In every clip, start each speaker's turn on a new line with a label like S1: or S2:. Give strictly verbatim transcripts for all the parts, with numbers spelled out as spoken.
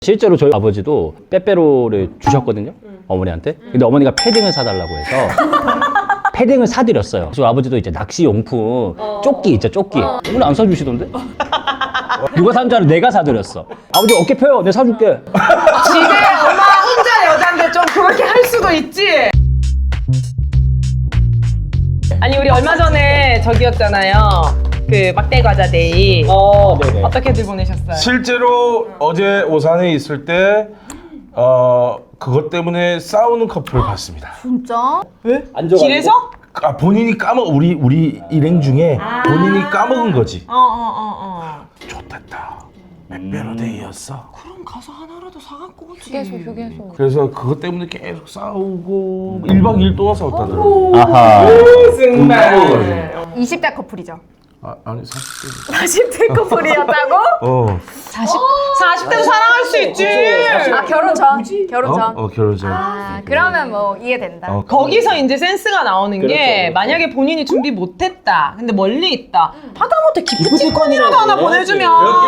S1: 실제로 저희 아버지도 빼빼로를 주셨거든요. 음. 어머니한테. 근데 어머니가 패딩을 사달라고 해서 패딩을 사드렸어요. 그래서 아버지도 이제 낚시 용품 어. 조끼 있죠, 조끼. 어. 오늘 안 사주시던데? 누가 산 줄 알아? 내가 사드렸어. 아버지 어깨 펴요. 내가 사줄게.
S2: 집에 엄마 혼자 여잔데 좀 그렇게 할 수도 있지. 아니 우리 얼마 전에 저기였잖아요. 그 막대 과자 데이.
S1: 어, 네네.
S2: 어떻게들 보내셨어요?
S3: 실제로 어제 오산에 있을 때 어, 그것 때문에 싸우는 커플을 봤습니다.
S4: 진짜?
S2: 왜?
S1: 앉아가지고?
S2: 길에서?
S3: 아, 본인이 까먹 우리 우리 일행 중에 본인이 까먹은 거지.
S2: 어 어 어 어.
S3: 좋댔다. 빼빼로 데이였어.
S2: 그럼 가서 하나라도 사갖고 오지.
S4: 휴게소 휴게소.
S3: 그래서 그것 때문에 계속 싸우고 일 박 이 일 동안 싸웠다더라고.
S1: 아하.
S2: 정말.
S4: 이십 대 커플이죠.
S3: 아, 아니 사십 대.
S4: 사십 대 커플이었다고?
S3: 어.
S2: 사십 사십 대도 사랑할 수 있지.
S4: 아 결혼 전. 결혼 전.
S3: 어, 어 결혼 전.
S4: 아 그러면 뭐 이해된다.
S3: 어,
S2: 거기서 이제 센스가 나오는 게
S1: 그렇죠, 그렇죠.
S2: 만약에 본인이 준비 못했다 근데 멀리 있다 하다못해 기프티콘이라도 하나 보내주면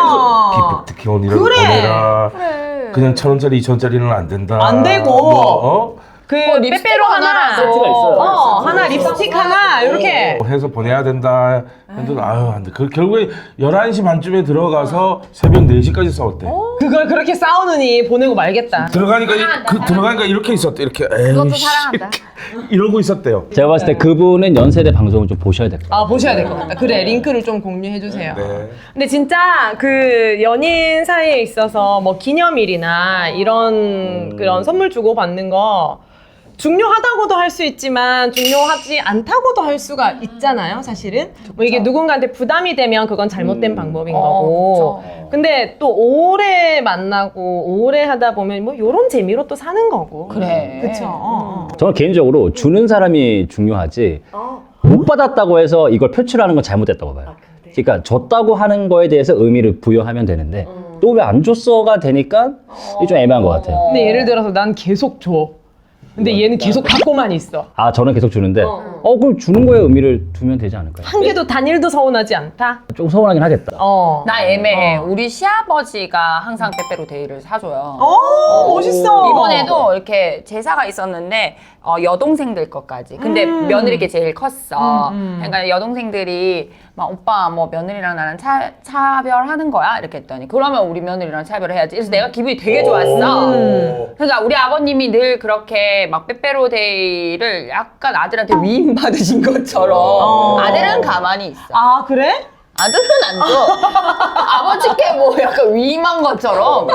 S3: 기프티콘이라도
S2: 그래.
S3: 보내라.
S4: 그래.
S3: 그냥 천 원짜리 이천 원짜리는 안 된다.
S2: 안 되고.
S3: 뭐, 어?
S2: 그
S4: 립스틱
S2: 빼빼로 하나
S4: 하나라도.
S1: 세트가 있어요.
S2: 어 하나 립스틱 하나 이렇게
S3: 뭐 해서 보내야 된다. 근데 아유 안 돼. 그 결국에 열한 시 반쯤에 들어가서 새벽 네 시까지 싸웠대.
S2: 그걸 그렇게 싸우느니 보내고 말겠다.
S3: 들어가니까 이, 그 들어가니까 이렇게 있었대. 이렇게
S4: 그것도
S3: 에이씨.
S4: 사랑한다.
S3: 이러고 있었대요.
S1: 제가 봤을 때 그분은 연세대 방송을 좀 보셔야 될 것 같아요.
S2: 아 보셔야 될 것 같다. 그래 링크를 좀 공유해 주세요.
S3: 네.
S2: 근데 진짜 그 연인 사이에 있어서 뭐 기념일이나 이런 그런 선물 주고 받는 거 중요하다고도 할 수 있지만 중요하지 않다고도 할 수가 있잖아요, 사실은. 뭐 이게 누군가한테 부담이 되면 그건 잘못된
S1: 음.
S2: 방법인
S4: 어,
S2: 거고.
S4: 그쵸.
S2: 근데 또 오래 만나고 오래 하다 보면 뭐 이런 재미로 또 사는 거고.
S4: 그래.
S2: 그쵸. 어, 어.
S1: 저는 개인적으로 주는 사람이 중요하지 못 받았다고 해서 이걸 표출하는 건 잘못됐다고 봐요. 그러니까 줬다고 하는 거에 대해서 의미를 부여하면 되는데 또 왜 안 줬어가 되니까 이게 좀 애매한 것 같아요.
S2: 근데 예를 들어서 난 계속 줘. 근데 얘는 계속 갖고만 있어.
S1: 아 저는 계속 주는데 어 그럼 주는 거에 의미를 두면 되지 않을까요?
S2: 한 개도 단일도 서운하지 않다?
S1: 좀 서운하긴 하겠다.
S2: 어.
S5: 나 애매해.
S2: 어.
S5: 우리 시아버지가 항상 빼빼로 데이를 사줘요.
S2: 어, 멋있어.
S5: 이번에도 이렇게 제사가 있었는데 어, 여동생들 것까지. 근데
S2: 음.
S5: 며느리께 제일 컸어.
S2: 음, 음.
S5: 그러니까 여동생들이 막 오빠 뭐 며느리랑 나랑 차, 차별하는 거야? 이렇게 했더니 그러면 우리 며느리랑 차별해야지. 그래서 내가 기분이 되게 좋았어.
S2: 음.
S5: 그러니까 우리 아버님이 늘 그렇게 막 빼빼로 데이를 약간 아들한테 위임 받으신 것처럼
S2: 어.
S5: 아들은 가만히 있어.
S2: 아, 그래?
S5: 아들은 안 줘. 아버지께 뭐 약간 위임한 것처럼.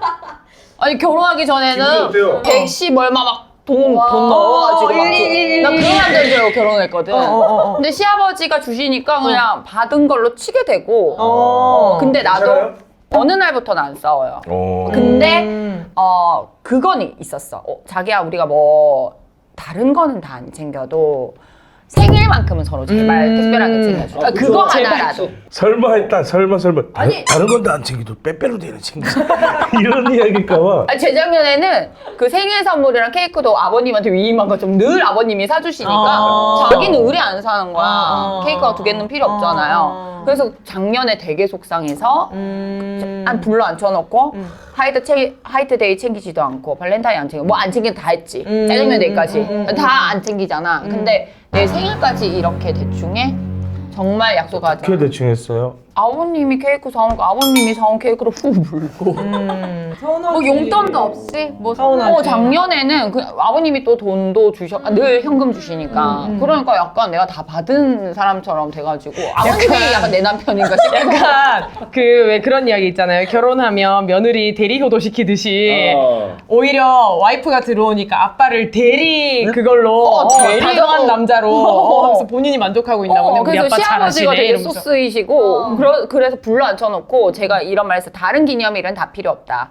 S5: 아니 결혼하기
S3: 기분이
S5: 전에는
S3: 어때요?
S5: 백십 얼마 막 돈, 돈
S4: 와.
S5: 넣어가지고 막
S2: 일일일일.
S5: 나 그런 남자로 결혼했거든.
S2: 어, 어, 어.
S5: 근데 시아버지가 주시니까 그냥 받은 걸로 치게 되고.
S2: 어.
S5: 근데 나도
S3: 괜찮아요?
S5: 어느 날부터는 안 싸워요.
S3: 어.
S5: 근데
S2: 음.
S5: 어 그건 있었어. 어, 자기야 우리가 뭐 다른 거는 다 안 챙겨도 생일만큼은 서로 제발
S2: 음.
S5: 특별하게 챙겨줘.
S1: 아,
S5: 그거
S1: 그쵸.
S5: 하나라도.
S3: 설마 했다. 설마 설마. 다른, 다른 건 다 안 챙기도 빼빼로 데이는 챙겨. 이런 이야기일까봐.
S5: 아니, 재작년에는 그 생일 선물이랑 케이크도 아버님한테 위임한 거 좀 늘 아버님이 사주시니까
S2: 어.
S5: 자기는 의뢰 안 사는 거야.
S2: 어.
S5: 케이크가 두 개는 필요 없잖아요.
S2: 어.
S5: 그래서 작년에 되게 속상해서
S2: 음.
S5: 안 불러 앉혀놓고 화이트 챙 화이트 데이 챙기지도 않고 발렌타인 안 챙겨 뭐 안 챙기도 다 했지.
S2: 음.
S5: 짜장면 데이까지
S2: 음.
S5: 다 안 챙기잖아. 근데 내 생일까지 이렇게 대충해 정말 약속하자.
S3: 어떻게 대충 했어요?
S5: 아버님이 케이크 사온 거 아버님이 사온 케이크로 후 물고.
S2: 음.
S4: 뭐 용돈도 없이 뭐
S2: 서운하지.
S5: 어, 작년에는 그 아버님이 또 돈도 주셔, 아, 늘 현금 주시니까. 그러니까 약간 내가 다 받은 사람처럼 돼가지고. 아버님이 약간, 내 남편인가 싶고.
S2: 약간 그 왜 그런 이야기 있잖아요. 결혼하면 며느리 대리 효도 시키듯이
S1: 어.
S2: 오히려 와이프가 들어오니까 아빠를 대리 그걸로
S5: 어,
S2: 어,
S5: 대리로.
S2: 다정한 남자로 어, 하면서 본인이 만족하고 있나 보네.
S5: 어,
S2: 우리
S5: 그래서
S2: 아빠
S5: 시아버지가
S2: 잘하시네
S5: 되게
S2: 이러면서.
S5: 소스이시고, 그러, 그래서 불러 앉혀놓고 제가 이런 말 했어요. 다른 기념일은 다 필요 없다.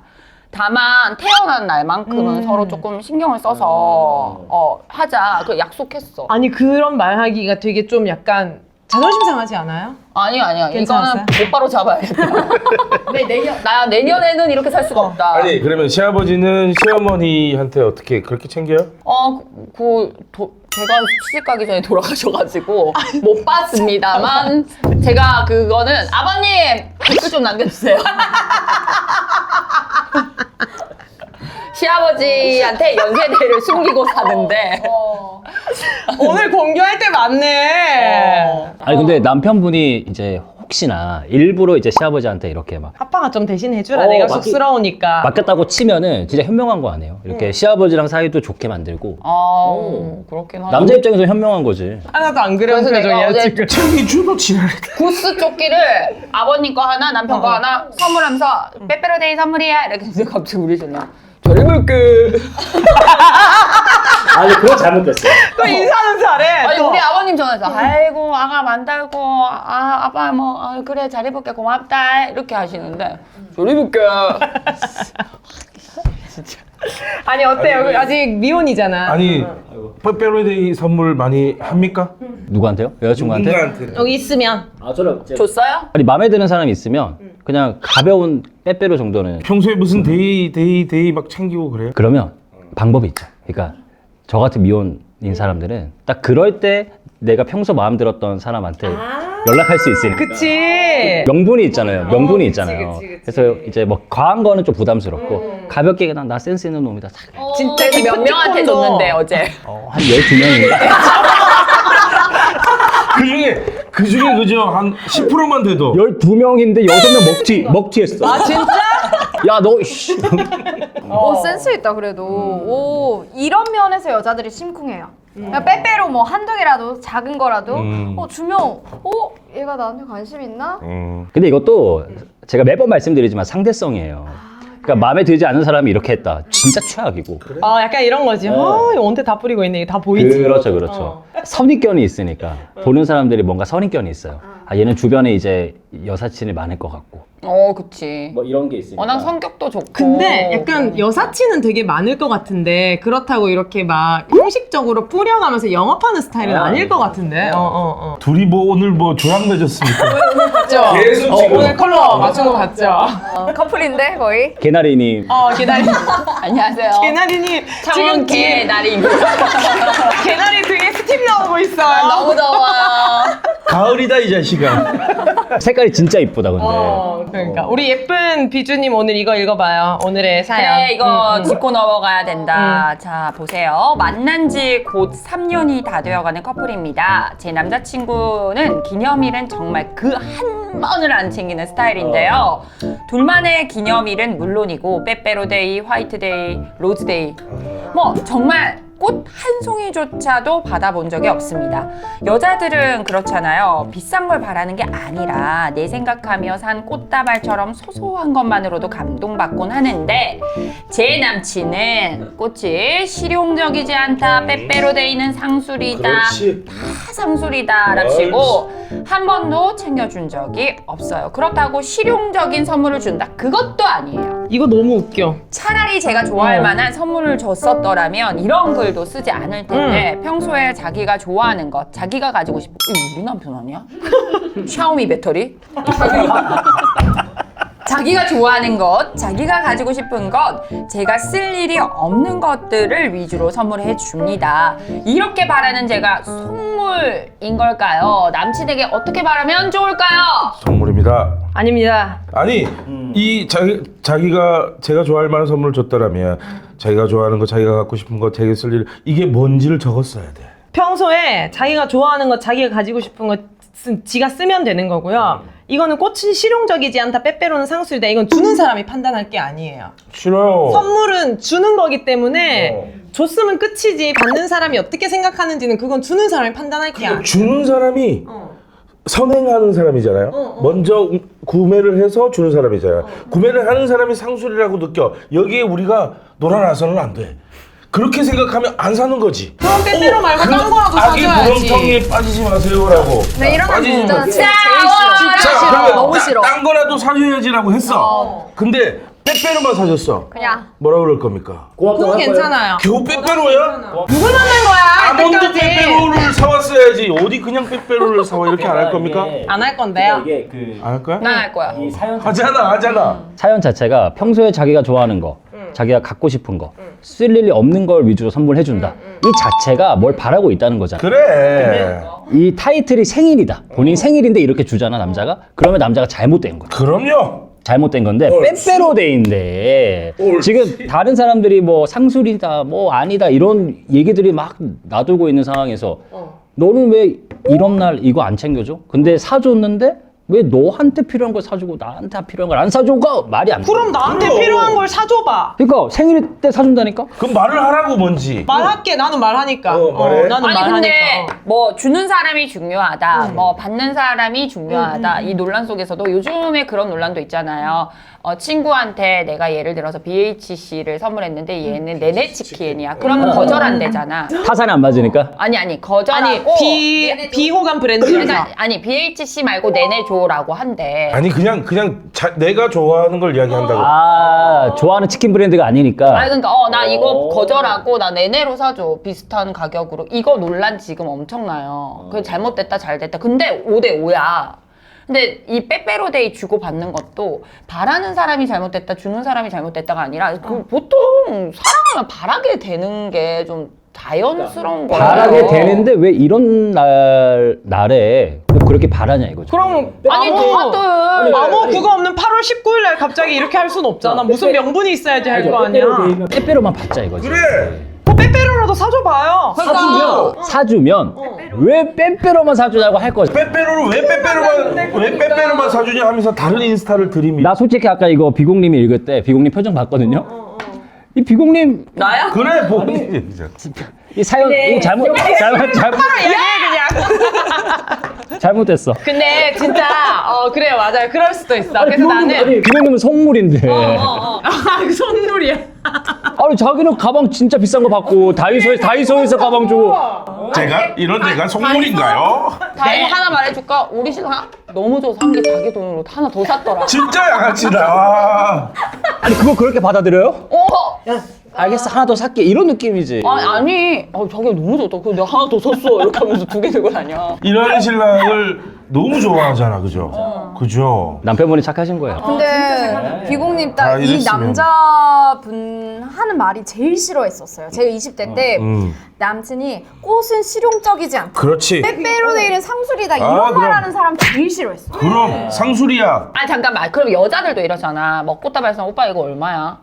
S5: 다만 태어난 날만큼은
S2: 음.
S5: 서로 조금 신경을 써서 어, 하자. 그 약속했어.
S2: 아니 그런 말하기가 되게 좀 약간 자존심 상하지 않아요?
S5: 아니 아니야.
S2: 괜찮았어요?
S5: 이거는 곧바로 잡아야겠다. 네, 내년 나 내년에는 이렇게 살 수가 없다.
S3: 아니 그러면 시아버지는 시어머니한테 어떻게 그렇게 챙겨요?
S5: 어, 그, 그 도, 제가 시집 가기 전에 돌아가셔가지고 못 봤습니다만 제가 그거는 아버님 댓글 좀 남겨주세요. 시아버지한테 연세대를 숨기고 사는데
S2: 오늘 공개할 때 많네.
S1: 아니 근데 남편분이 이제 혹시나 일부러 이제 시아버지한테 이렇게 막
S2: 아빠가 좀 대신 해주라.
S1: 어,
S2: 내가
S1: 맡기-
S2: 쑥스러우니까.
S1: 맡겼다고 치면은 진짜 현명한 거 아니에요? 이렇게 시아버지랑 사이도 좋게 만들고
S5: 아 그렇긴 하죠.
S1: 남자 입장에서 현명한 거지.
S2: 하나도 안 그런
S5: 그래서 내가
S2: 표정이야
S5: 어제
S2: 지금.
S3: 저기 주로 지랄.
S5: 구스 조끼를 아버님 거 하나 남편 거 하나 선물하면서 빼빼로데이 선물이야 이렇게 해서 갑자기 우리 전화 잘 입을게.
S1: 아니 그건 잘못됐어.
S2: 또 인사는 잘해.
S5: 아니
S2: 또.
S5: 우리 아버님 전화해서 아이고 아가 만들고 아 아빠 뭐 아, 그래 잘 입을게 고맙다 이렇게 하시는데 잘 입을게.
S2: 아니 어때요? 아직 미혼이잖아.
S3: 아니 빼빼로데이 선물 많이 합니까?
S1: 누구한테요? 여자친구한테?
S3: 누군가한테.
S2: 여기 있으면
S1: 아 저는
S5: 줬어요?
S1: 아니 마음에 드는 사람이 있으면 그냥 가벼운 빼빼로 정도는
S3: 평소에 무슨 데이 데이 데이 막 챙기고 그래요?
S1: 그러면 방법이 있죠. 그러니까 저 같은 미혼인 사람들은 딱 그럴 때 내가 평소 마음 들었던 사람한테 연락할 수 있으니까.
S2: 그치.
S1: 명분이 있잖아요. 명분이
S2: 그치,
S1: 있잖아요.
S2: 그치, 그치.
S1: 그래서 이제 뭐 과한 거는 좀 부담스럽고 가볍게 그냥 나 센스 있는 놈이다. 싹.
S2: 진짜
S5: 그래서 몇 명한테
S2: 기프티콘도-
S5: 줬는데 어제
S1: 어, 한 열두 명인가?
S3: 그 중에 그 중에 그죠 한 십 퍼센트만 돼도
S1: 열두 명인데 여섯 명 먹튀 먹튀 했어.
S2: 아 진짜?
S1: 야, 너 씨.
S4: 오 센스 있다 그래도. 오 이런 면에서 여자들이 심쿵해요. 그냥 빼빼로 뭐 한두 개라도 작은 거라도
S3: 음.
S4: 어 주면 어 얘가 나한테 관심 있나?
S3: 음.
S1: 근데 이것도 제가 매번 말씀드리지만 상대성이에요. 그러니까 마음에 들지 않은 사람이 이렇게 했다. 진짜 최악이고.
S2: 어 약간 이런 거지. 어 이거 언제 다 뿌리고 있네. 이게 다 보이지.
S1: 그렇죠, 그렇죠. 선입견이 있으니까 보는 사람들이 뭔가 선입견이 있어요. 아 얘는 주변에 이제 여사친이 많을 것 같고.
S5: 어 그치
S1: 뭐 이런 게 있으니까.
S5: 워낙 성격도 좋고
S2: 근데 약간 여사친은 되게 많을 것 같은데 그렇다고 이렇게 막 형식적으로 뿌려가면서 영업하는 스타일은
S1: 아,
S2: 아닐 것 같은데. 어 어 어.
S3: 둘이 뭐 오늘 뭐 조약 맺었습니까?
S2: 맞죠?
S3: 계속
S2: 어,
S3: 지금.
S2: 오늘 컬러 맞춘 거 같죠?
S4: 어, 커플인데 거의.
S1: 개나리님.
S2: 어 개나리.
S5: 안녕하세요
S2: 개나리님 지금
S5: 창원
S2: 뒤에
S5: 개나리입니다.
S2: 개나리 등에 스팀 나오고 있어요.
S5: 너무 더워
S3: 가을이다 이 자식아.
S1: 색깔이 진짜 이쁘다 근데.
S2: 어, 그러니까 우리 예쁜 비주님 오늘 이거 읽어봐요. 오늘의 사연.
S5: 그래 이거
S2: 음, 음.
S5: 짚고 넘어가야 된다. 자 보세요. 만난 지 곧 삼 년이 다 되어가는 커플입니다. 제 남자친구는 기념일은 정말 그 한 번을 안 챙기는 스타일인데요. 둘만의 기념일은 물론이고 빼빼로데이, 화이트데이, 로즈데이 뭐 정말 꽃 한 송이조차도 받아본 적이 없습니다. 여자들은 그렇잖아요. 비싼 걸 바라는 게 아니라 내 생각하며 산 꽃다발처럼 소소한 것만으로도 감동받곤 하는데 제 남친은 꽃이 실용적이지 않다. 빼빼로데이는 상술이다.
S3: 그렇지.
S5: 다 상술이다 라치고 한 번도 챙겨준 적이 없어요. 그렇다고 실용적인 선물을 준다? 그것도 아니에요.
S2: 이거 너무 웃겨.
S5: 차라리 제가 좋아할
S2: 어.
S5: 만한 선물을 줬었더라면 이런 글도 쓰지 않을 텐데 평소에 자기가 좋아하는 것, 자기가 가지고 싶은 이거 우리 남편 아니야? 샤오미 배터리? 자기가 좋아하는 것, 자기가 가지고 싶은 것, 제가 쓸 일이 없는 것들을 위주로 선물해 줍니다. 이렇게 바라는 제가 속물인 걸까요? 남친에게 어떻게 바라면 좋을까요?
S3: 선물입니다.
S2: 아닙니다.
S3: 아니 이 자기 자기가 제가 좋아할 만한 선물을 줬다라면 자기가 좋아하는 거, 자기가 갖고 싶은 거, 자기가 쓸 일 이게 뭔지를 적었어야 돼.
S2: 평소에 자기가 좋아하는 것, 자기가 가지고 싶은 것 쓰, 지가 쓰면 되는 거고요. 이거는 꽃이 실용적이지 않다. 빼빼로는 상술이다. 이건 주는 사람이 판단할 게 아니에요.
S3: 싫어요.
S2: 선물은 주는 거기 때문에
S3: 어.
S2: 줬으면 끝이지. 받는 사람이 어떻게 생각하는지는 그건 주는 사람이 판단할 게 아니에요.
S3: 주는 사람이
S2: 어.
S3: 선행하는 사람이잖아요.
S2: 어.
S3: 먼저 구매를 해서 주는 사람이잖아요. 구매를 하는 사람이 상술이라고 느껴. 여기에 우리가 놀아나서는 안 돼. 그렇게 생각하면 안 사는 거지.
S2: 그럼 빼빼로 말고
S3: 그
S2: 딴 거라도
S3: 아기
S2: 사줘야지.
S3: 구렁텅이에 빠지지 마세요라고.
S4: 네 이런 거
S3: 빠지지
S4: 진짜
S3: 마세요.
S4: 제일
S5: 싸워!
S4: 싫어.
S3: 자, 그러면
S4: 너무
S3: 따-
S4: 싫어.
S3: 딴 거라도 사줘야지라고 했어.
S2: 어.
S3: 근데 빼빼로만 사줬어.
S4: 그냥
S3: 뭐라 그럴 겁니까?
S2: 그건 괜찮아요.
S3: 겨우 빼빼로야?
S2: 누굴 만난 거야?
S3: 아몬드
S2: 이때까지.
S3: 빼빼로를 사왔어야지. 어디 그냥 빼빼로를 사와 이렇게 안 할 겁니까?
S2: 안 할 건데요.
S1: 이게 그
S3: 안 할 거야?
S5: 난 할 거야.
S1: 이 사연
S3: 하잖아, 하잖아.
S1: 사연 자체가 평소에 자기가 좋아하는 거, 자기가 갖고 싶은 거, 쓸 일이 없는 걸 위주로 선물해준다. 이 자체가 뭘 바라고 있다는 거잖아.
S3: 그래.
S1: 이 타이틀이 생일이다. 본인 생일인데 이렇게 주잖아, 남자가. 그러면 남자가 잘못된 거야.
S3: 그럼요.
S1: 잘못된 건데
S3: 옳지.
S1: 빼빼로데이인데
S3: 옳지.
S1: 지금 다른 사람들이 뭐 상술이다 뭐 아니다 이런 얘기들이 막 놔두고 있는 상황에서 너는 왜 이런 날 이거 안 챙겨줘? 근데 사줬는데 왜 너한테 필요한 걸 사주고 나한테 필요한 걸 안 사줘가 말이 안 돼.
S2: 그럼 나한테
S3: 그럼.
S2: 필요한 걸 사줘봐.
S1: 그러니까 생일 때 사준다니까?
S3: 그럼 말을 하라고 뭔지.
S2: 말할게. 나는 말하니까.
S3: 어, 말해.
S2: 나는
S5: 아니
S2: 말하니까.
S5: 근데
S2: 어.
S5: 뭐 주는 사람이 중요하다, 뭐 받는 사람이 중요하다 이 논란 속에서도 요즘에 그런 논란도 있잖아요. 어, 친구한테 내가 예를 들어서 비에이치씨를 선물했는데 얘는 내내 치킨이야. 그러면 거절한대잖아.
S1: 타산이 안 맞으니까?
S5: 아니 아니
S2: 아니
S5: 거절하고
S2: 비 비호감 브랜드에서
S5: 그러니까 아니 비에이치씨 말고 내내줘라고 한대.
S3: 아니 그냥 그냥 자, 내가 좋아하는 걸 이야기한다고.
S1: 아 좋아하는 치킨 브랜드가 아니니까.
S5: 아니 그러니까 어 나 이거 거절하고 나 내내로 사줘 비슷한 가격으로. 이거 논란 지금 엄청나요. 그 잘못됐다 잘됐다. 근데 오 대 오야. 근데 이 빼빼로데이 주고 받는 것도 바라는 사람이 잘못됐다 주는 사람이 잘못됐다가 아니라 그 보통 사랑하면 바라게 되는 게 좀 자연스러운 거예요.
S1: 바라게 되는데 왜 이런 날 날에 꼭 그렇게 바라냐 이거죠.
S2: 그럼
S5: 아니
S2: 아무
S5: 다들
S2: 아무 그거 없는 팔월 십구일 날 갑자기 이렇게 할 순 없잖아. 무슨 명분이 있어야지 할 거 아니야.
S1: 빼빼로만 받자 이거지.
S3: 그래.
S2: 뭐 빼빼로라도 사줘봐요.
S5: 그러니까
S1: 사주면 왜 빼빼로만 사주냐고 할 거지.
S3: 빼빼로를 왜 빼빼로만 왜 빼빼로만 사주냐 하면서 다른 인스타를 들이미.
S1: 나 솔직히 아까 이거 비공님이 읽을 때 비공님 표정 봤거든요. 이 비공님
S5: 나야?
S3: 그래 보니.
S1: 이 사연 이거 잘못 잘못 잘못
S2: 얘기해 그냥.
S1: 잘못됐어.
S2: 근데 진짜 어 그래 맞아요. 그럴 수도 있어. 그래서 나는
S1: 아니 비공님은 선물인데.
S2: 아 선물이야.
S1: 아니 자기는 가방 진짜 비싼 거 받고 다이소에 다이소에서 가방 주고.
S3: 제가 이런 데가 속물인가요?
S5: 다이 하나 말해줄까? 우리 신랑 너무 줘서 한 게 자기 돈으로 하나 더 샀더라.
S3: 진짜 양아치다. 와.
S1: 아니 그거 그렇게 받아들여요?
S5: 어?
S1: 알겠어 하나 더 살게 이런 느낌이지.
S5: 아니 아니 어, 자기가 너무 좋다. 그래서 내가 하나 더 샀어. 이렇게 하면서 두 개 들고 다녀.
S3: 이런 신랑을 너무 좋아하잖아, 그죠? 그죠?
S1: 남편분이 착하신 거예요.
S4: 근데 비공님
S3: 아,
S4: 딱 이
S3: 이랬으면.
S4: 남자분 하는 말이 제일 싫어했었어요. 제가 이십 대 때
S3: 음.
S4: 남친이 꽃은 실용적이지 않다.
S3: 그렇지.
S4: 빼빼로데이는 상술이다.
S3: 아,
S4: 이런
S3: 그럼.
S4: 말하는 사람 제일 싫어했어.
S3: 그럼 상술이야.
S5: 아니 잠깐만. 그럼 여자들도 이러잖아. 뭐 꽃다발상 오빠 이거 얼마야?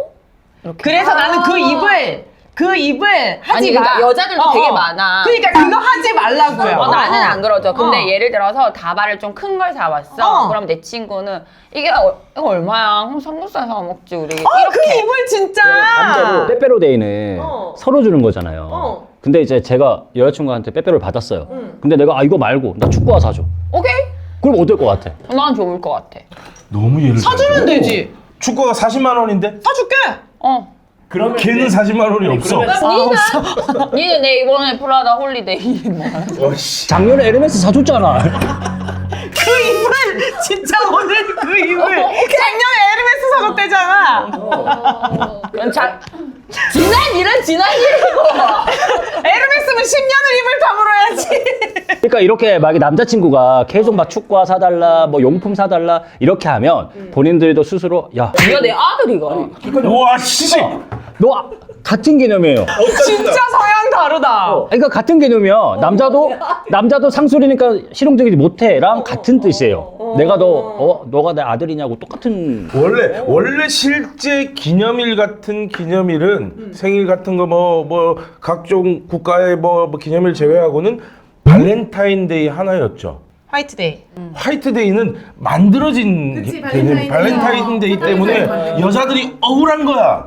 S2: 그래서 나는 그 입을 그 입을 하지
S5: 아니
S2: 마.
S5: 그러니까 여자들도
S2: 어,
S5: 되게
S2: 어.
S5: 많아.
S2: 그러니까 그거 하지 말라고요.
S5: 어, 나는 안 그러죠. 근데
S2: 어.
S5: 예를 들어서 다발을 좀 큰 걸 사왔어.
S2: 어.
S5: 그럼 내 친구는 이게 어, 이거 얼마야? 그럼 삼겹살 사 먹지 우리.
S2: 어, 그
S5: 이렇게.
S2: 입을 진짜.
S1: 남자로 빼빼로데이는
S2: 어.
S1: 서로 주는 거잖아요.
S2: 어.
S1: 근데 이제 제가 여자친구한테 빼빼로를 받았어요. 근데 내가 아 이거 말고 나 축구화 사줘.
S5: 오케이.
S1: 그럼 어떨 것 같아?
S5: 난 좋을 것 같아.
S3: 너무 예를
S2: 사주면
S3: 들어.
S2: 되지.
S3: 축구가 사십만 원인데
S2: 사줄게.
S5: 어.
S3: 그러면 걔는 사십만 원이 없어.
S5: 니는 니는 내 이번에 프라다 홀리데이 뭐.
S3: 어씨.
S1: 작년에 에르메스 사줬잖아.
S2: 그 입을 진짜 오늘 그 입을 작년에 에르메스 사줬대잖아.
S5: 그건 자 지난 일은 지난 일이고.
S2: 에르메스면 십 년을 입을 다물어야지.
S1: 그러니까 이렇게 막 남자친구가 계속 막 축구화 사달라, 뭐 용품 사달라 이렇게 하면 본인들도 스스로 야,
S5: 이거 내 아들이가.
S3: 와 씨.
S1: 너 아- 같은 개념이에요.
S2: 진짜 서양 다르다.
S1: 그러니까 같은 개념이야. 남자도 남자도 상술이니까 실용적이지 못해랑 같은 뜻이에요. 내가 너 어, 너가 내 아들이냐고 똑같은.
S3: 원래 원래 실제 기념일 같은 기념일은 생일 같은 거 뭐 뭐 각종 국가의 뭐, 뭐 기념일 제외하고는 발렌타인데이 하나였죠.
S2: 화이트데이.
S3: 화이트데이는 만들어진 개념, 발렌타인데이 때문에 여자들이 억울한 거야.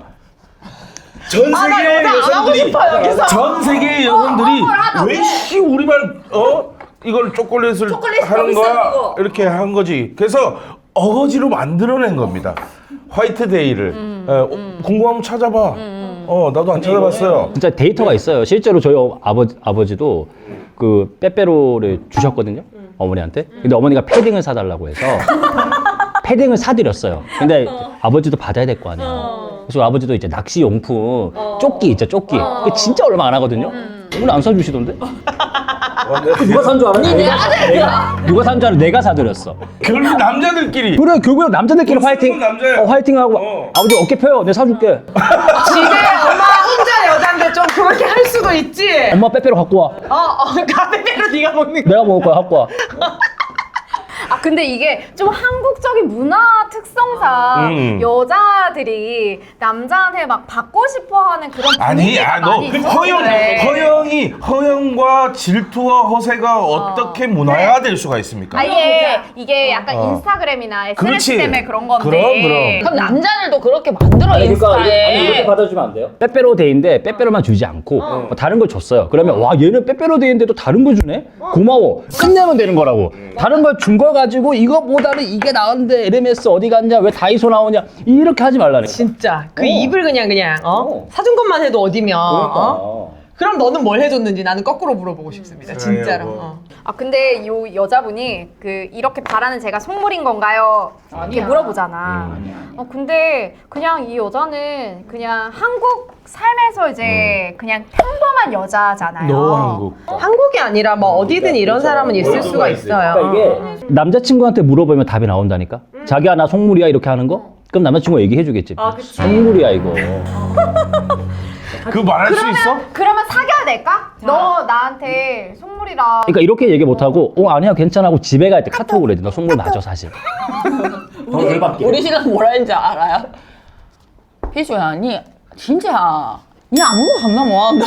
S3: 전
S2: 나
S3: 세계의
S2: 여자 안 하고
S3: 여성들이
S2: 싶어, 여기서.
S3: 전 세계의 여성들이 왜씨 우리말 어 이걸 초콜릿을 하는 거야 이렇게 한 거지. 그래서 어거지로 만들어낸 겁니다. 화이트데이를 어, 궁금하면 찾아봐. 어 나도 안 찾아봤어요.
S1: 진짜 데이터가 있어요. 실제로 저희 어- 아버지 아버지도 그 빼빼로를 주셨거든요. 어머니한테. 근데 어머니가 패딩을 사달라고 해서 패딩을 사드렸어요. 근데 아버지도 받아야 될 거 아니에요. 그래서 아버지도 이제 낚시 용품 조끼 있죠, 조끼. 그게 진짜 얼마 안 하거든요. 오늘 안 사주시던데? 누가 산 줄 알아? 내가, 내가 누가 산 줄 알아? 내가 사드렸어.
S3: 결국 남자들끼리.
S1: 그래 결국엔 남자들끼리
S3: 돈
S1: 화이팅.
S3: 쓰는 남자야.
S1: 어, 화이팅하고
S3: 어.
S1: 아버지 어깨 펴요. 내가 사줄게.
S2: 집에 엄마 혼자 여잔데 좀 그렇게 할 수도 있지.
S1: 엄마 빼빼로 갖고 와.
S2: 어, 어, 가베베로 네가 먹는 거.
S1: 내가 먹을 거야. 갖고 와.
S4: 아 근데 이게 좀 한국적인 문화 특성상
S3: 음.
S4: 여자들이 남자한테 막 받고 싶어하는 그런
S3: 아니,
S4: 분위기가
S3: 아, 너
S4: 많이 있어서
S3: 허영,
S4: 그래.
S3: 허영이 허영과 질투와 허세가 어떻게 문화화될 수가 있습니까?
S4: 아예 이게 약간
S3: 어.
S4: 인스타그램이나 에스엔에스
S3: 그렇지.
S4: 때문에 그런 건데.
S3: 그럼, 그럼.
S5: 그럼 남자들도 그렇게 만들어 인스타에.
S1: 받아주면 안 돼요? 빼빼로 데이인데 빼빼로만 주지 않고 뭐 다른 걸 줬어요. 그러면 와 얘는 빼빼로 데이인데도 다른 거 주네? 고마워. 끝내면 되는 거라고. 다른 걸 준 거 가지고 이거보다는 이게 나은데 에르메스 어디 갔냐? 왜 다이소 나오냐? 이렇게 하지 말라네.
S2: 진짜 그
S1: 어.
S2: 입을 그냥 그냥 어?
S1: 어.
S2: 사준 것만 해도 어디면
S1: 그러니까.
S2: 어? 그럼 너는 뭘 해줬는지 나는 거꾸로 물어보고 싶습니다. 진짜로.
S3: 뭐.
S2: 어.
S4: 아 근데 요 여자분이 그 이렇게 바라는 제가 속물인 건가요? 이렇게 물어보잖아. 어 근데 그냥 이 여자는 그냥 한국 삶에서 이제 그냥 평범한 여자잖아요.
S3: 너 한국.
S2: 한국이 아니라 뭐 어디든 이런 사람은 있을 수가 있어요.
S1: 그러니까 이게 남자친구한테 물어보면 답이 나온다니까? 자기야 나 속물이야 이렇게 하는 거? 그럼 남자친구가 얘기해 주겠지.
S2: 아, 그치.
S1: 속물이야 이거.
S3: 그거 말할 수 있어?
S4: 그러면 사귀어야 될까? 너 나한테 속물이라.
S1: 그러니까 이렇게 얘기 못 하고 어 아니야 괜찮아 하고 집에 갈 때 카톡을 해야 돼. 너 속물 맞아 사실.
S5: 우리 시간 뭐라 했는지 알아요? 희주야, 니 진짜 니 아무도 감당 못한다.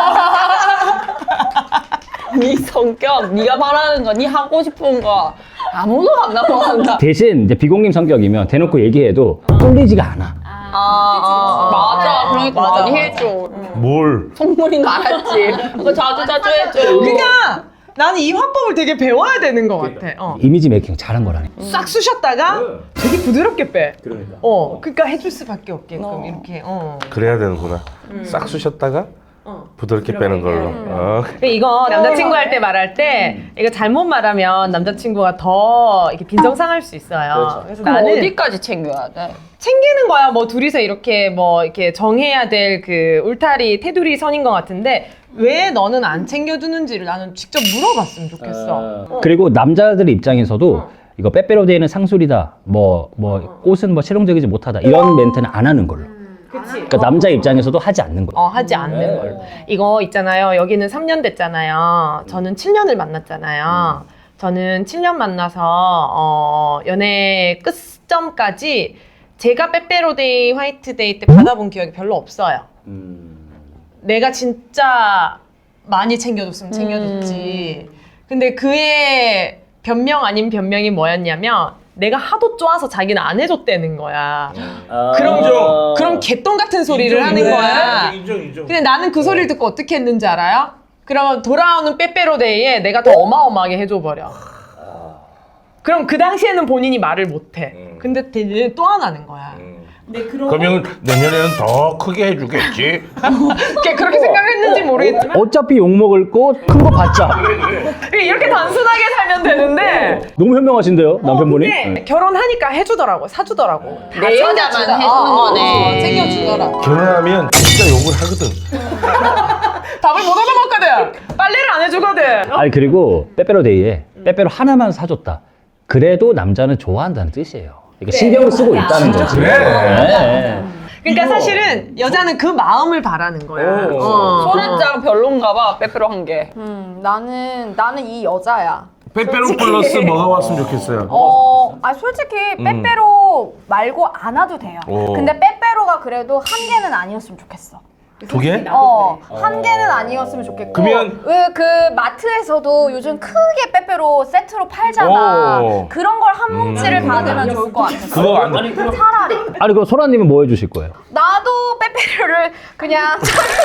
S5: 니 성격, 니가 바라는 거, 니 하고 싶은 거 아무도 감당 못한다.
S1: 대신 이제 비공님 성격이면 대놓고 얘기해도 뚫리지가 않아.
S5: 아, 아, 맞아. 그러니까
S2: 맞아,
S5: 많이
S2: 맞아.
S5: 해줘.
S3: 뭘?
S5: 속물인 거 알았지. 그거 자주 자주 해줘.
S2: 그러니까 나는 이 화법을 되게 배워야 되는 것 같아. 어.
S1: 이미지 메이킹 잘한 거라니.
S2: 싹 쑤셨다가 되게 부드럽게 빼.
S1: 그러니까.
S2: 어, 그러니까 해줄 수밖에 없게끔
S5: 어.
S2: 이렇게. 어.
S3: 그래야 되는구나. 싹 쑤셨다가 부드럽게 빼는 걸로. 어.
S2: 이거 남자친구 할 때 말할 때 이거 잘못 말하면 남자친구가 더 이렇게 빈정상할 수 있어요. 그래서
S5: 그럼
S2: 나는
S5: 어디까지 챙겨야 돼?
S2: 챙기는 거야. 뭐 둘이서 이렇게 뭐 이렇게 정해야 될 그 울타리 테두리 선인 것 같은데 왜 너는 안 챙겨주는지를 나는 직접 물어봤으면 좋겠어. 어.
S1: 그리고 남자들 입장에서도 이거 빼빼로데이는 상술이다. 뭐 뭐 꽃은 뭐 실용적이지 못하다. 이런 멘트는 안 하는 걸로.
S2: 그치?
S1: 그러니까 남자 입장에서도 하지 않는 거예요.
S2: 어, 하지 않는 걸로. 이거 있잖아요. 여기는 삼 년 됐잖아요. 저는 칠 년을 만났잖아요. 저는 칠 년 만나서 어, 연애 끝점까지 제가 빼빼로데이, 화이트데이 때 받아본 기억이 별로 없어요. 내가 진짜 많이 챙겨줬으면 챙겨줬지. 근데 그의 변명 아닌 변명이 뭐였냐면 내가 하도 좋아서 자기는 안 해줬다는 거야. 그럼
S3: 인정.
S2: 그럼 개똥 같은 소리를
S3: 인정,
S2: 하는
S3: 인정.
S2: 거야.
S3: 인정, 인정.
S2: 근데 나는 그 소리를 듣고 어떻게 했는지 알아요? 그러면 돌아오는 빼빼로데이에 내가 더 어마어마하게 해줘버려. 그럼 그 당시에는 본인이 말을 못해. 근데 대신 또 하나는 거야.
S3: 그러면 내년에는 더 크게 해주겠지.
S2: 걔 그렇게 생각했는지 모르겠지만
S1: 어차피 욕 먹을 거 큰 거 받자.
S2: 이렇게 단순하게 살면 되는데
S1: 너무 현명하신데요 남편분이.
S2: 근데
S1: 네.
S2: 결혼하니까 해주더라고, 사주더라고.
S5: 내 여자만 해주는 거네.
S2: 챙겨주더라.
S3: 결혼하면 진짜 욕을 하거든.
S2: 밥을 못 얻어먹거든. 빨래를 안 해주거든.
S1: 아니 그리고 빼빼로데이에 빼빼로 하나만 사줬다. 그래도 남자는 좋아한다는 뜻이에요. 그러니까 신경을 쓰고 있다는 거지.
S3: 그래?
S1: 네.
S2: 그러니까
S3: 이거-
S2: 사실은 여자는 그 마음을 바라는 거야.
S3: 어.
S2: 어.
S5: 소란장 별론가 봐. 빼빼로 한 개.
S4: 음 나는 나는 이 여자야.
S3: 빼빼로 플러스 뭐가 왔으면 좋겠어요.
S4: 어, 아 솔직히 빼빼로 말고 안 와도 돼요.
S3: 오.
S4: 근데 빼빼로가 그래도 한 개는 아니었으면 좋겠어.
S3: 두 개?
S4: 어, 한 개는 아니었으면 좋겠고.
S3: 그러면-
S4: 왜 그 마트에서도 요즘 크게 빼빼로 세트로 팔잖아.
S3: 오.
S4: 그런 걸 한 뭉치를 받으면 좋을 것 같아.
S3: 그거 안 돼.
S4: 차라리.
S1: 아니 그럼 소라님은 뭐 해주실 거예요?
S4: 나도 빼빼로를 그냥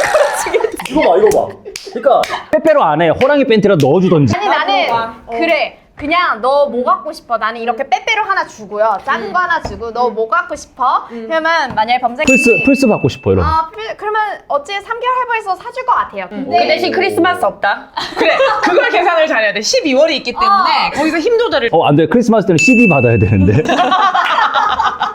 S1: 이거 봐 이거 봐. 그러니까 빼빼로 안에 호랑이 팬티라도 넣어주던지.
S4: 아니 나는 그래 그냥 너 뭐 갖고 싶어? 나는 이렇게 빼빼로 하나 주고요. 작은 거 하나 주고 너 뭐 갖고 싶어? 그러면 만약에 범생이
S1: 플스 플스 받고 싶어 이런.
S4: 아 필- 그러면 어찌 삼 개월 할부해서 사줄 것 같아요.
S5: 그
S4: 근데
S5: 대신 크리스마스 없다.
S2: 그래, 그걸 계산을 잘해야 돼. 십이월이 있기 때문에 거기서 힘 조절을.
S1: 어 안 돼. 크리스마스 때는 씨디 받아야 되는데.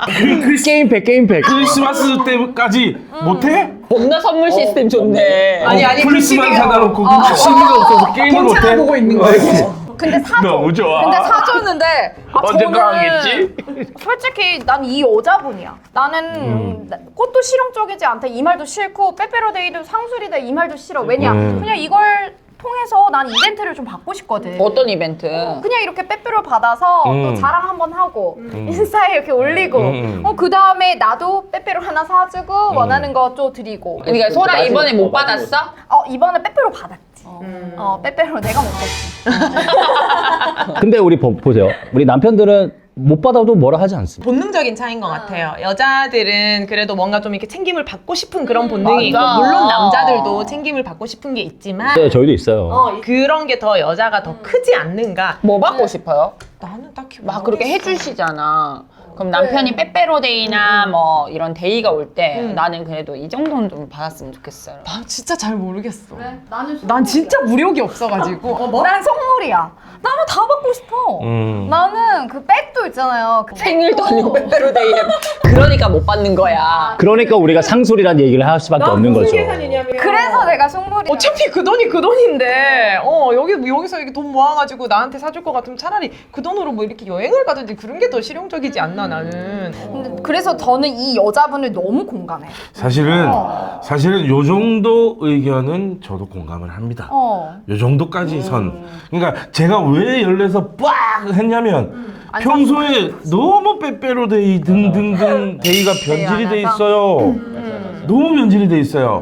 S1: 게임팩 게임팩.
S3: 크리스마스 때까지 못해?
S5: 겁나 선물 시스템 좋네.
S2: 아니 아니 그
S3: 크리스마스
S2: 시기가
S3: 사다 놓고 그 시기가 없어서 게임을 못해?
S2: 본체만 보고 있는 거예요.
S4: 근데 사줘.
S3: 너무 좋아.
S4: 근데 사줬는데 아,
S3: 언젠가
S4: 저는
S3: 하겠지?
S4: 솔직히 난 이 여자분이야. 나는
S3: 음.
S4: 나- 꽃도 실용적이지 않다. 이 말도 싫고 빼빼로데이도 상술이다. 이 말도 싫어. 왜냐?
S3: 음.
S4: 그냥 이걸 통해서 난 이벤트를 좀 받고 싶거든.
S5: 어떤 이벤트?
S4: 그냥 이렇게 빼빼로 받아서 또
S3: 음.
S4: 자랑 한번 하고 인스타에 이렇게 올리고
S3: 음.
S4: 어, 그 다음에 나도 빼빼로 하나 사주고 원하는 거 또 드리고
S5: 그러니까 소라 이번에 못 받았어?
S4: 어 이번에 빼빼로 받았지. 어 빼빼로 내가 먹었지.
S1: 근데 우리 보, 보세요. 우리 남편들은 못 받아도 뭐라 하지 않습니다.
S2: 본능적인 차이인 것 같아요. 여자들은 그래도 뭔가 좀 이렇게 챙김을 받고 싶은 그런 본능이 있고,
S5: 맞아.
S2: 물론 남자들도 챙김을 받고 싶은 게 있지만
S1: 네, 저희도 있어요.
S2: 어, 그런 게 더 여자가 더 크지 않는가.
S5: 뭐 받고 싶어요?
S2: 나는 딱히
S5: 막 그렇게 해주시잖아. 그럼 남편이 빼빼로데이나 뭐 이런 데이가 올 때
S2: 음.
S5: 나는 그래도 이 정도는 좀 받았으면 좋겠어요.
S2: 나 진짜 잘 모르겠어.
S4: 나는
S2: 난 진짜 무력이 없어가지고. 어, 뭐?
S4: 난 선물이야. 나는 다 받고 싶어.
S3: 음.
S4: 나는 그 백도 있잖아요. 그
S5: 생일도 아니고 빼빼로데이에 그러니까 못 받는 거야.
S1: 그러니까 우리가 상술이란 얘기를 할 수밖에 없는 거죠.
S2: 계산이냐면.
S4: 그래서 내가 선물이야.
S2: 어차피 그 돈이 그 돈인데, 어, 여기, 여기서 이렇게 돈 모아가지고 나한테 사줄 것 같으면 차라리 그 돈으로 뭐 이렇게 여행을 가든지 그런 게 더 실용적이지 않나, 나는.
S4: 근데 그래서 저는 이 여자분을 너무 공감해.
S3: 사실은 사실은 요 정도 의견은 저도 공감을 합니다.
S4: 어.
S3: 요 정도까지 선. 그러니까 제가 왜 열내서 빡 했냐면
S4: 안
S3: 평소에 너무 빼빼로데이 등등등 데이가 변질이 돼
S4: 안 해서?
S3: 있어요. 너무 변질이 돼 있어요.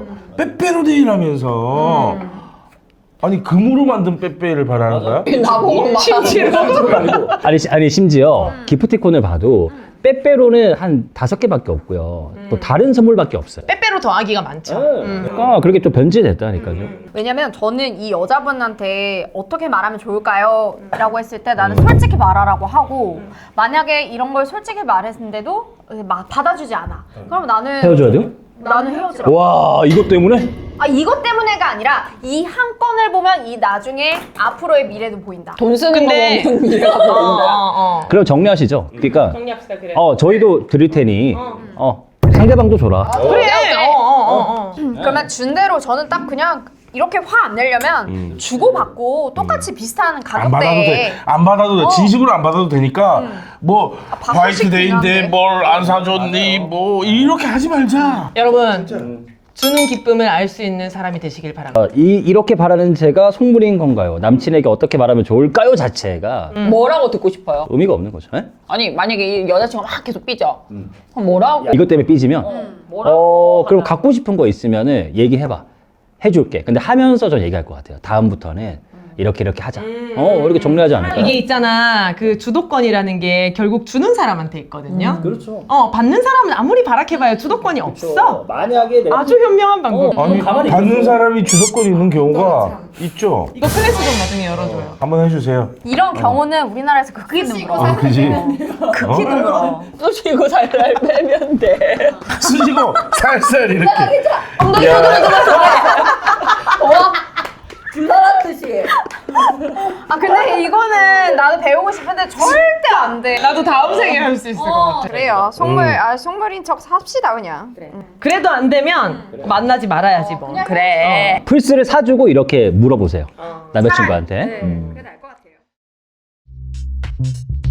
S3: 빼빼로데이라면서 아니 금으로 만든 빼빼를 바라는 거야?
S5: 나보고 막
S1: 아니, 시- 아니 심지어 기프티콘을 봐도 빼빼로는 한 다섯 개밖에 없고요. 또 다른 선물밖에 없어요.
S2: 빼빼로 더하기가 많죠. 음.
S1: 그러니까 그렇게 좀 변질됐다니까요.
S4: 왜냐면 저는 이 여자분한테 어떻게 말하면 좋을까요? 라고 했을 때 나는 솔직히 말하라고 하고 만약에 이런 걸 솔직히 말했는데도 막 받아주지 않아. 그럼 나는
S1: 헤어져야 돼요?
S4: 나는 헤어지라.
S1: 와, 이것 때문에?
S4: 아 이것 때문에가 아니라 이 한 건을 보면 이 나중에 앞으로의 미래도 보인다.
S5: 돈 쓰는
S2: 근데-
S5: 거 보면 미래가
S2: 어,
S5: 보인다.
S2: 어, 어.
S1: 그럼 정리하시죠. 그러니까
S2: 정리합시다, 그래.
S1: 어 저희도 드릴 테니 어 상대방도 줘라.
S2: 그래. 어, 어, 어, 어.
S4: 그러면 준 대로 저는 딱 그냥 이렇게 화 안 내려면 주고받고 똑같이 비슷한
S3: 안 받아도 돼.
S4: 가격대에
S3: 안 받아도 돼.
S4: 어.
S3: 진심으로 안 받아도 되니까 뭐
S4: 받고
S3: 화이트데이인데
S4: 싶긴 한데.
S3: 뭘 안 사줬니 뭐 이렇게 하지 말자.
S2: 여러분, 주는 기쁨을 알 수 있는 사람이 되시길 바랍니다.
S1: 어, 이 이렇게 바라는 제가 속물인 건가요? 남친에게 어떻게 말하면 좋을까요? 자체가
S5: 뭐라고 듣고 싶어요?
S1: 의미가 없는 거죠. 예?
S5: 아니 만약에 이 여자친구가 막 계속 삐져. 그럼 뭐라고?
S1: 이것 때문에 삐지면
S5: 뭐라고?
S1: 어 그럼 갖고 싶은 거 있으면은 얘기해봐. 해줄게. 근데 하면서 저 얘기할 것 같아요. 다음부터는 이렇게 이렇게 하자. 어 이렇게 정리하지 않을까요?
S2: 이게 있잖아, 그 주도권이라는 게 결국 주는 사람한테 있거든요.
S1: 그렇죠.
S2: 어, 받는 사람은 아무리 바라해봐야 주도권이 없어.
S1: 만약에 내가
S2: 아주 현명한 방법.
S3: 아니
S1: 가만히
S3: 받는 사람이 주도권이 있는 경우가 있죠.
S2: 이거 클래스 좀 나중에 열어줘요.
S3: 한번 해주세요.
S4: 이런 경우는 우리나라에서 극히 드물어.
S3: 어, 그지?
S4: 극히 드물어.
S5: 쑤시고 살살 빼면 돼.
S3: 쓰시고 살살 이렇게.
S4: 엉덩이
S3: 야.
S4: 손으로 들어서 불나란 듯이. 아 근데 이거는 나도 배우고 싶은데 절대 안 돼.
S2: 나도 다음 생에 할 수 있을 것
S4: 어,
S2: 같아.
S4: 그래요. 속물 아 속물인 척 합시다 그냥.
S2: 그래도 안 되면 만나지 말아야지 뭐.
S5: 그래.
S1: 플스를 사주고 이렇게 물어보세요. 남자친구한테.
S4: 네,
S1: 음.
S4: 그게 나을 것 같아요.